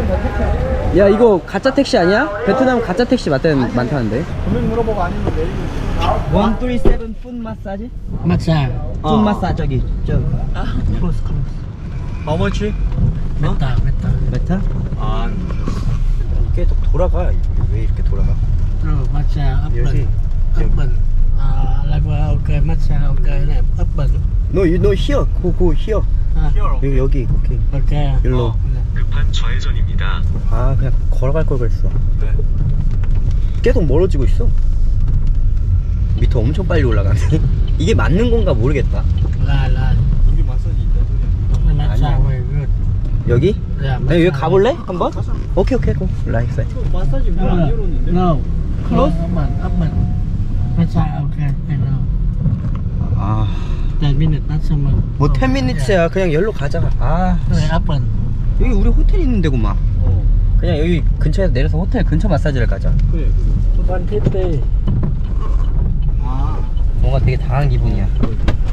야 이거 가짜 택시 아니야? 베트남 가짜 택시 많다는데. 금액 물어보고 아니면 내리면 137 푼 마사지? Massage. 푼 마사지 저기 저 Close, close. How much? Better, better. 메타? 아 계속 돌아가. 왜 이렇게 돌아가? Rồi, massage 여기. open. Open. Level ok, massage ok này, open. 너 here. go here. 여기 오케이. Ok. 일로. 급한 좌회전입니다. 아 그냥 걸어갈 걸 그랬어. 계속 멀어지고 있어. 미터 엄청 빨리 올라가네. 이게 맞는 건가 모르겠다. Là. 여기 마사지 있다 소리야. Massage very good. 여기? Yeah, 아니, 여기 가볼래? 한번? 오케이 고 라이트. 마사지 문 안 열었는데? No. Close. Open. Massage ok, I know. 아, 10 minutes maximum. 뭐 10미니트야. 그냥 열로 가자. 아, Rồi, open. 여기 우리 호텔 있는 데구만. 그냥 여기 근처에서 내려서 호텔 근처 마사지를 가자. 그래 One fifty. 뭔가 되게 당한 기분이야.